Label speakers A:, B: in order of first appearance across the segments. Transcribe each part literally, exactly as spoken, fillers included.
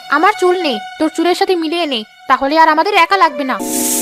A: আমার চুল নেই, তোর চুলের সাথে মিলিয়ে নে, তাহলে আর আমাদের একা লাগবে না।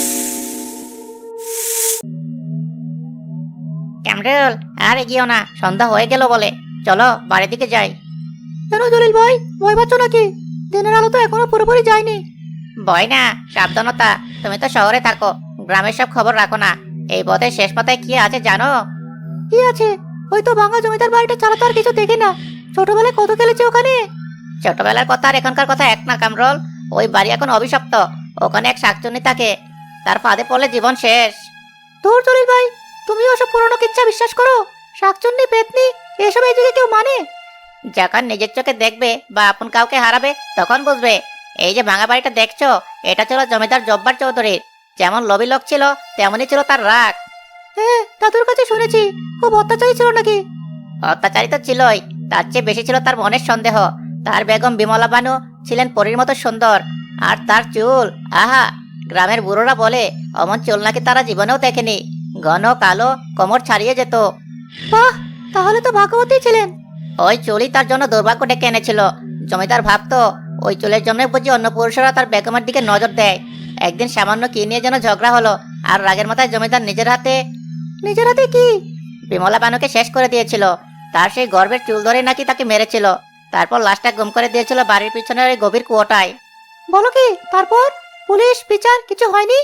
B: ক্যামরুল, আর এগিয়েও না, সন্ধ্যা হয়ে গেল বলে। চলো বাড়ির দিকে যাই।
C: কেন জলিল ভাই, ভয় পাচ্ছ নাকি? দিনের আলো তো এখনো পুরোপুরি যায়নি।
B: ভয় না, সাবধানতা। তুমি তো শহরে থাকো, গ্রামের সব খবর রাখো না। এই পথে শেষ পাতায় কি আছে জানো?
C: কি আছে? ওই তো ভাঙা জমিদার বাড়িটা ছাড়া তো আর কিছু দেখি না। ছোটবেলায় কত খেলেছি ওখানে।
B: ছোটবেলার কথা আর এখনকার কথা এক না কামরুল। ওই বাড়ি এখন অভিশপ্ত। ওখানে এক শাকচুন্নি থাকে, তার ফাঁদে পড়লে জীবন শেষ।
C: তোর জলিল ভাই, তুমি ওসব পুরনো কিচ্ছা বিশ্বাস করো? শাকচুন্নি, পেতনি, এসব এই যুগে কেউ মানে?
B: যখন নিজের চোখে দেখবে বা আপন কাউকে হারাবে তখন বুঝবে। এই যে ভাঙা বাড়িটা দেখছো, এটা ছিল জমিদার জব্বার চৌধুরীর। যেমন লোভী লোক ছিল, তেমনই ছিল তার রাগ।
C: হ্যাঁ, দাদুর কাছে শুনেছি খুব অত্যাচারী ছিল নাকি।
B: অত্যাচারী তো ছিলই, তার চেয়ে বেশি ছিল তার মনের সন্দেহ। তার বেগম বিমলা বানু ছিলেন পরীর মতো সুন্দর, আর তার চুল, আহা! গ্রামের বুড়োরা বলে অমন চুল নাকি তারা জীবনেও দেখেনি। ঘন কালো, কোমর ছাড়িয়ে যেত।
C: বাহ, তাহলে তো ভাগ্যবতী ছিলেন।
B: ওই চুলই তার জন্য দুর্ভাগ্য ডেকে এনেছিল। জমিদার ভাবতো ওই চুলের জন্য বুঝি অন্য পুরুষরা তার বেগমের দিকে নজর দেয়। একদিন সামান্য কি নিয়ে যেন ঝগড়া হলো, আর রাগের মাথায় জমিদার নিজের হাতে
C: নিজের হাতে কি?
B: বিমলা বানুকে শেষ করে দিয়েছিল। তার সেই গর্বের চুল ধরে নাকি তাকে মেরেছিল। তারপর লাশটা গুম করে দিয়েছিল বাড়ির পিছনের ওই গভীর কুয়োটায়।
C: বলো কি? তারপর পুলিশ বিচার কিছু হয়নি?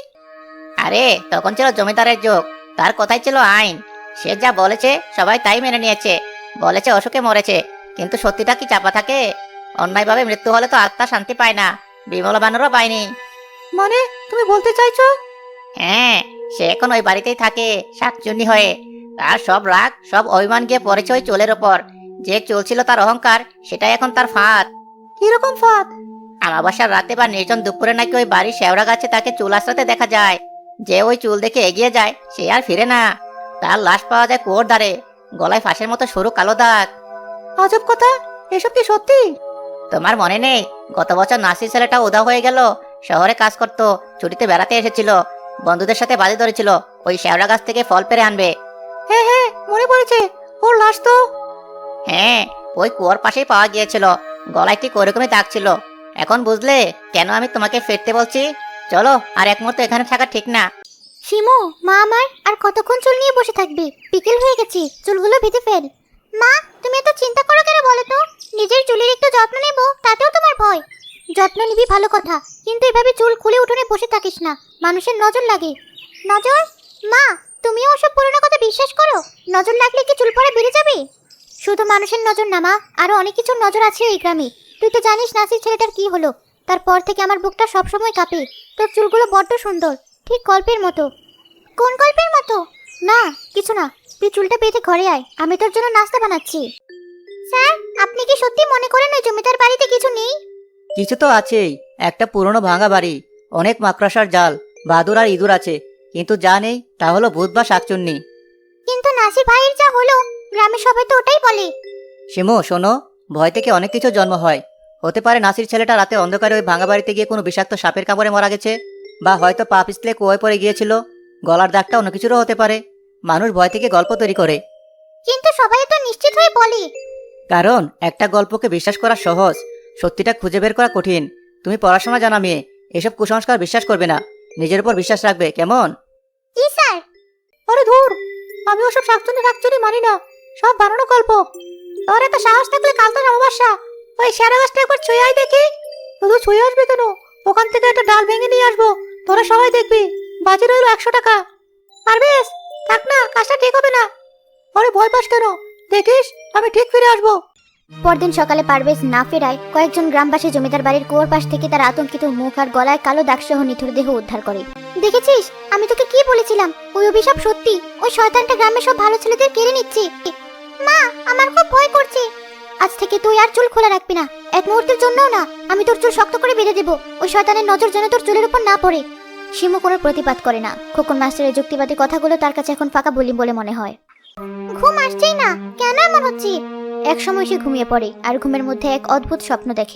B: আরে তখন ছিল জমিদারের যুগ, তার কথাই ছিল আইন। সে যা বলেছে সবাই তাই মেনে নিয়েছে। বলেছে অসুখে মরেছে, কিন্তু সত্যিটা কি চাপা থাকে? অন্যায়ভাবে মৃত্যু হলে তো আত্মা শান্তি পায় না। বিমলা বানুরও পায়নি।
C: মানে তুমি বলতে চাইছো?
B: হ্যাঁ, সে এখন ওই বাড়িতেই থাকে, শাকচুন্নি হয়ে। তার সব রাগ, সব অভিমান গিয়ে পড়েছে ওই চুলের ওপর। যে চুল ছিল তার অহংকার, সেটাই এখন তার ফাঁদ।
C: কিরকম ফাঁদ?
B: আমাবস্যার রাতে বা নির্জন দুপুরে নাকি ওই বাড়ির শেওড়া গাছে তাকে চুল আশ্রাতে দেখা যায়। যে ওই চুল দেখে এগিয়ে যায় সে আর ফিরে না। তার লাশ পাওয়া যায় কুয়োর ধারে, গলায় ফাঁসের মতো সরু কালো দাগ।
C: আজব কথা, এসব কি সত্যি?
B: তোমার মনে নেই, গত বছর নাসির ছেলেটা উধাও হয়ে গেল। শহরে কাজ করতো, ছুটিতে বেড়াতে এসেছিল। বন্ধুদের সাথে বাজি ধরেছিল ওই শেওড়া গাছ থেকে ফল পেরে আনবে।
C: হ্যাঁ হ্যাঁ, মনে পড়েছে। ওর লাশ তো।
B: হ্যাঁ, ওই কুয়োর পাশেই পাওয়া গিয়েছিল। গলায় ঠিক ওরকমই দাগ ছিল। এখন বুঝলে কেন আমি তোমাকে ফিরতে বলছি? চলো, আর এক মুহূর্ত এখানে থাকা ঠিক না।
D: শিমু, মা আমার আর কতক্ষণ চুল নিয়ে বসে থাকবে? বিকেল হয়ে গেছে, চুলগুলো বেঁধে ফেল। মা, তুমি এত চিন্তা করো কেন বলো তো? নিজের চুলের একটু যত্ন নেব, তাতেও তোমার ভয়? যত্ন নিবি ভালো কথা, কিন্তু এভাবে চুল খুলে উঠোনে বসে থাকিস না, মানুষের নজর লাগে। নজর? মা, তুমিও ওসব পুরনো কথা বিশ্বাস করো? নজর লাগলে কি চুল পড়া বেড়ে যাবে? শুধু মানুষের নজর না মা, আরো অনেক কিছুর নজর আছে এই গ্রামে। তুই তো জানিস নাসির ছেলেটার কি হলো। তারপর থেকে আমার বুকটা সবসময় কাঁপে। তোর চুলগুলো বড্ড সুন্দর, ঠিক গল্পের মতো। কোন গল্পের মতো? না, কিছু না। তুই চুলটা বেঁধে ঘরে আয়, আমি তোর জন্য নাস্তা বানাচ্ছি। স্যার, আপনি কি সত্যি মনে করেন ওই জমিদার বাড়িতে কিছু নেই?
C: কিছু তো আছেই। একটা পুরনো ভাঙা বাড়ি, অনেক মাকড়সার জাল, বাদুর আর ইঁদুর আছে। কিন্তু যা নেই তা হলো ভূত বা শাকচুন্নি।
D: কিন্তু নাসির ভাইয়ের যা হলো, গ্রামের সবাই তো ওটাই বলে।
C: শিমু শোনো, ভয় থেকে অনেক কিছু জন্ম হয়। হতে পারে নাসির ছেলেটা রাতে অন্ধকারে ওই ভাঙা বাড়িতে গিয়ে কোনো বিষাক্ত সাপের কামড়ে মারা গেছে, বা হয়তো পা পিছলে কুয়োয় পড়ে গিয়েছিল। গলার দাগটা অন্য কিছুরও হতে পারে। মানুষ ভয় থেকে গল্প তৈরি করে।
D: কিন্তু সবাই তো নিশ্চিত হয়ে বলে।
C: কারণ একটা গল্পকে বিশ্বাস করা সহজ, সত্যিটা খুঁজে বের করা কঠিন। তুমি পড়াশোনা জানা মেয়ে, এসব কুসংস্কার বিশ্বাস করবে না, নিজের উপর বিশ্বাস রাখবে, কেমন?
D: জি স্যার।
C: আরে ধুর, আমি ওসব শাকচুনি শাকচুনি মানি না, সব বানানো গল্প। তোর এত সাহস থাকলে কাল তো অমাবস্যা, ওই শেয়ারা গাছটা একবার ছুঁয়ে আয় দেখি। শুধু ছুঁয়ে আসবে কেন, ওখান থেকে একটা ডাল ভেঙে নিয়ে আসবো, তোরা সবাই দেখবি। বাজি রইল একশো টাকা। আর বেশ, থাক না, কাজটা ঠিক হবে না। আরে ভয় পাস কেন, দেখিস আমি ঠিক ফিরে আসবো।
D: পরদিন সকালে পারভেজ না ফেরায় কয়েকজন গ্রামবাসী জমিদার বাড়ির কুয়োর পাশ থেকে তার আতঙ্কিত মুখ আর গলায় কালো দাগসহ নিথুর দেহ উদ্ধার করে। দেখেছিস, আমি তোকে কি বলেছিলাম? ওই অভিশাপ সত্যি। ওই শয়তানটা গ্রামের সব ভালো ছেলেদের কেড়ে নিচ্ছে। মা, আমার খুব ভয় করছে। আজ থেকে তুই আর চুল খোলা রাখবি না, এক মুহূর্তের জন্যও না। আমি তোর চুল শক্ত করে বেঁধে দেবো, ওই শয়তানের নজর যেন তোর চুলের উপর না পড়ে। শিমু কোনো প্রতিবাদ করে না। খোকন মাস্টারের যুক্তিবাদী কথাগুলো তার কাছে এখন ফাঁকা বলি বলে মনে হয়। ঘুম আসছেই না, কেন এমন হচ্ছে? এক সময় সে ঘুমিয়ে পড়ে আর ঘুমের মধ্যে এক অদ্ভুত স্বপ্ন দেখে।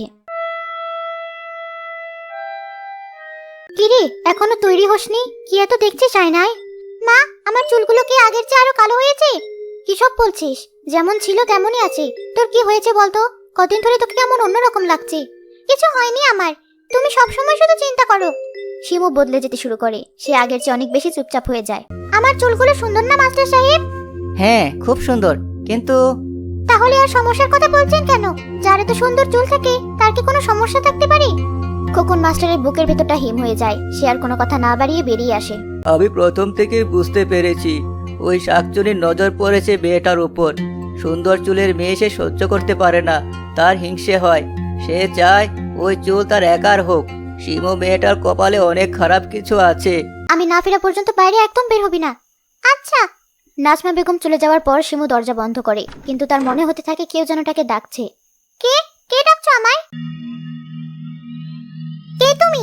D: কিরে, এখনো তৈরি হসনি? কি এত দেখছিস আয়নায়? মা, আমার চুলগুলো কি আগের চেয়ে আরো কালো হয়েছে? কি সব বলছিস? যেমন ছিল তেমনই আছে। তোর কি হয়েছে বলতো? কদিন ধরে তোকে কেমন অন্যরকম লাগছে। কিছু হয়নি আমার। তুমি সবসময় শুধু চিন্তা করো। শিমু বদলে যেতে শুরু করে। সে আগের চেয়ে অনেক বেশি চুপচাপ হয়ে যায়। আমার চুলগুলো সুন্দর না মাস্টার সাহেব?
B: হ্যাঁ, খুব সুন্দর, কিন্তু
D: তাহলে আর সমস্যার কথা বলছেন কেন? যার এত সুন্দর চুল থাকে তার কি কোনো সমস্যা থাকতে পারে? খোকন মাস্টারের বুকের ভেতরটা হিম হয়ে যায়। সে আর কোনো কথা না বাড়িয়ে বেরিয়ে আসে।
E: আমি প্রথম থেকেই বুঝতে পেরেছি ওই শাকচুনির নজর পড়েছে মেয়েটার উপর। সুন্দর চুলের মেয়ে সে সহ্য করতে পারে না, তার হিংসে হয়। সে চায় ওই চুল তার একার হোক। শিমু মেয়েটার কপালে অনেক খারাপ কিছু আছে।
D: আমি না ফেরা পর্যন্ত বাইরে একদম বের হবি না। আচ্ছা। নাজমা বেগম চলে যাওয়ার পর শিমু দরজা বন্ধ করে, কিন্তু তার মনে হতে থাকে কেউ যেন তাকে ডাকছে। কে কে ডাকছো আমায়? কে তুমি?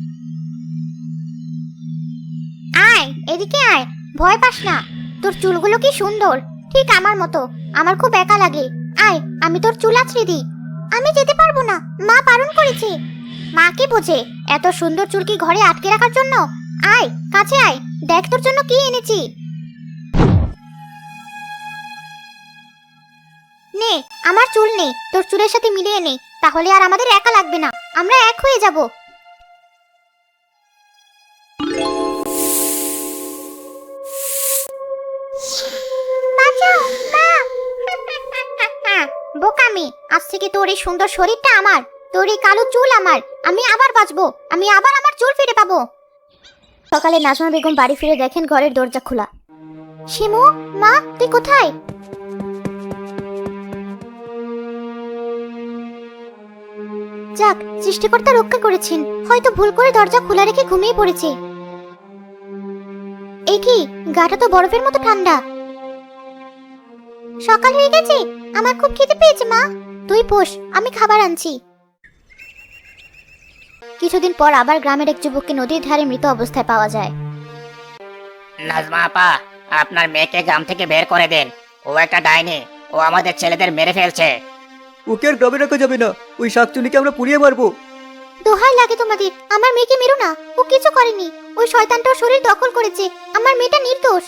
D: আয় এদিকে আয়, ভয় পাস না। তোর চুলগুলো কি সুন্দর, ঠিক আমার মতো। আমার খুব একা লাগে। আয়, আমি তোর চুল আছড়ে দিই। আমি যেতে পারবো না, মা বারণ করেছে। মা কি বোঝে এত সুন্দর চুল কি ঘরে আটকে রাখার জন্য? আয় কাছে আয়, দেখ তোর জন্য কি এনেছি। নে, আমার চুল নে, তোর চুলের সাথে মিলিয়ে নে, তাহলে আর আমাদের একা লাগবে না, আমরা এক হয়ে যাব। বাঁচাও, মা। বোকামি, আজ থেকে তোর এই সুন্দর শরীরটা আমার, তোর এই কালো চুল আমার। আমি আবার বাঁচবো, আমি আবার আমার চুল ফিরে পাবো। সকালে নাজমা বেগম বাড়ি ফিরে দেখেন ঘরের দরজা খোলা। শিমু, মা, তুই কোথায়? যাক, সৃষ্টিকর্তা রক্ষা করেছেন। হয়তো ভুল করে দরজা খোলা রেখে ঘুমিয়ে পড়েছে। এ কি, গাটা তো বরফের মতো ঠান্ডা। সকাল হয়ে গেছে, আমার খুব খিদে পেয়েছে মা। তুই বস, আমি খাবার আনছি। কিছুদিন পর আবার গ্রামের এক যুবককে নদীর ধারে মৃত অবস্থায় পাওয়া যায়।
B: নাজমা আপা, আপনার মেয়েকে গ্রাম থেকে বের করে দেন। ও একটা ডাইনি, ও আমাদের ছেলেদের মেরে ফেলছে।
E: ওকে আর গ্রামে রাখা যাবে না, ওই শাকচুনিকে আমরা পুড়িয়ে মারবো।
D: দোহাই লাগে তোমাদের, আমার মেয়েকে মেরো না। ও কিছু করেনি, ওই শয়তানটা ওর শরীর দখল করেছে। আমার মেয়েটা নির্দোষ।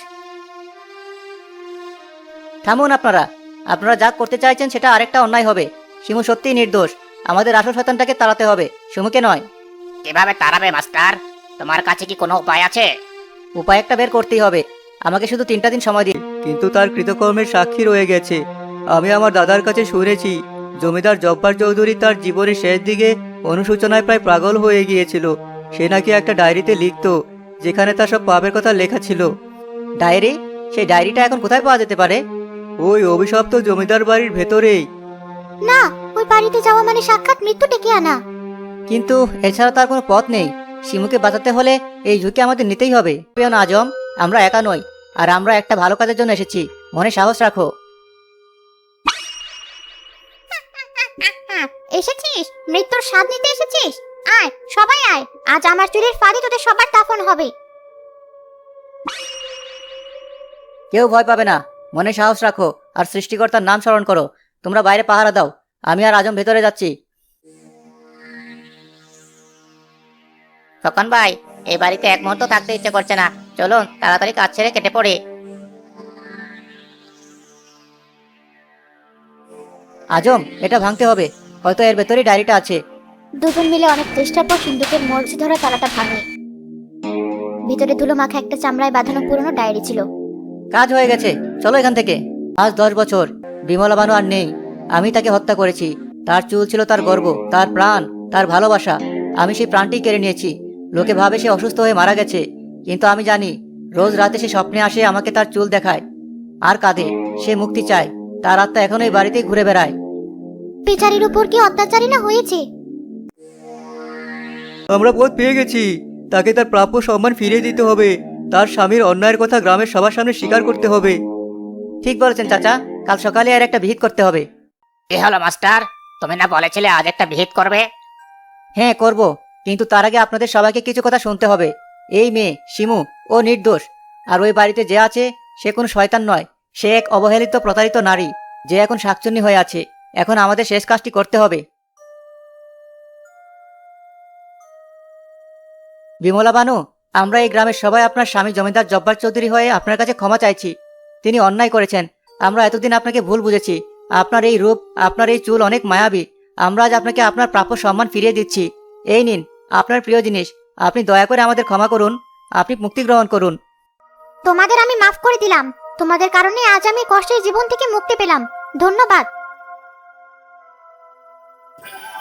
B: থামুন আপনারা। আপনারা যা করতে চাইছেন সেটা আরেকটা অন্যায় হবে। শিমু সত্যিই নির্দোষ। আমাদের আসল শয়তানটাকে তাড়াতে হবে, শিমুকে নয়। কিভাবে তাড়াবে মাস্টার? তোমার কাছে কি কোনো উপায় আছে? উপায় একটা বের করতেই হবে। আমাকে শুধু তিনটা দিন সময় দিন।
E: কিন্তু তার কৃতকর্মের সাক্ষী রয়ে গেছে। আমি আমার দাদার কাছে শুনেছি জমিদার জব্বার চৌধুরী তার জীবনের শেষ দিকে অনুশোচনায় প্রায় পাগল হয়ে গিয়েছিল। সে নাকি একটা ডায়েরিতে লিখতো, যেখানে তার সব পাপের কথা লেখা ছিল।
B: ডায়েরি? সেই ডায়েরিটা এখন কোথায় পাওয়া যেতে পারে?
E: ওই অভিশপ্ত জমিদার বাড়ির ভেতরেই।
D: না, ওই বাড়িতে যাওয়া মানে সাক্ষাৎ মৃত্যু ডেকে আনা।
B: কিন্তু এছাড়া তার কোনো পথ নেই। শিমুকে বাঁচাতে হলে এই ঝুঁকি আমাদের নিতেই হবে। প্রিয় আজম, আমরা একা নই, আর আমরা একটা ভালো কাজের জন্য এসেছি। মনে সাহস রাখো।
D: এসেছিস? মৃত্যুর স্বাদ নিতে এসেছিস? আয়, সবাই আয়। আজ আমার চুলের ফাঁদে তোদের সবার দাফন হবে।
B: কেউ ভয় পাবে না। মনে সাহস রাখো আর সৃষ্টিকর্তার নাম স্মরণ করো। তোমরা বাইরে পাহারা দাও, আমি আর আজম ভেতরে যাচ্ছি। খোকন ভাই, এই বাড়িতে এক মুহূর্ত থাকতে ইচ্ছে করছে না। চলুন তাড়াতাড়ি কাজ ছেড়ে কেটে পড়ি। আজম, এটা ভাঙতে হবে। হয়তো এর ভেতরেই ডায়েরিটা আছে।
D: দুজন মিলে অনেক চেষ্টার পর সিন্ধুকের মরচি ধরা তালাটা ভাঙে। ভিতরে ধুলো মাখা একটা চামড়ায় বাঁধানো পুরনো ডায়েরি ছিল।
B: কাজ হয়ে গেছে, চলো এখান থেকে। আজ দশ বছর বিমলা বানু আর নেই। আমি তাকে হত্যা করেছি। তার চুল ছিল তার গর্ব, তার প্রাণ, তার ভালোবাসা। আমি সেই প্রাণটি কেড়ে নিয়েছি। লোকে ভাবে সে অসুস্থ হয়ে মারা গেছে, কিন্তু আমি জানি রোজ রাতে সে স্বপ্নে আসে, আমাকে তার চুল দেখায় আর কাঁদে। সে মুক্তি চায়। তার আত্মা এখন এই বাড়িতেই ঘুরে বেড়ায়।
D: বেচারির উপর কি অত্যাচারী না হয়েছে?
E: আমরা পথ পেয়ে গেছি। তাকে তার প্রাপ্য সম্মান ফিরিয়ে দিতে হবে। তার স্বামীর অন্যায়ের কথা গ্রামের সবার সামনে স্বীকার করতে হবে।
B: ঠিক বলেছেন চাচা, কাল সকালে আর একটা বিহিত করতে হবে। এ হলো মাস্টার, তুমি না বলেছিলে আজ একটা বিহিত করবে? হ্যাঁ করব, কিন্তু তার আগে আপনাদের সবাইকে কিছু কথা শুনতে হবে। এই মেয়ে শিমু, ও নির্দোষ। আর ওই বাড়িতে যে আছে সে কোনো শয়তান নয়। সে এক অবহেলিত প্রতারিত নারী, যে এখন শাকচুন্নি হয়ে আছে। এখন আমাদের শেষ কাজটি করতে হবে। বিমলা বানু, আমরা এই গ্রামের সবাই আপনার স্বামী জমিদার জব্বার চৌধুরী হয়ে আপনার কাছে ক্ষমা চাইছি। তিনি অন্যায় করেছেন। আমরা এতদিন আপনাকে ভুল বুঝেছি। আপনার এই রূপ, আপনার এই চুল অনেক মায়াবী,
E: আমরা আজ আপনাকে আপনার প্রাপ্য সম্মান ফিরিয়ে দিচ্ছি। এই নিন আপনার প্রিয় জিনিস। আপনি দয়া করে আমাদের ক্ষমা করুন। আপনি মুক্তি গ্রহণ করুন।
D: তোমাদের আমি মাফ করে দিলাম। তোমাদের কারণে আজ আমি কষ্টের জীবন থেকে মুক্তি পেলাম। ধন্যবাদ।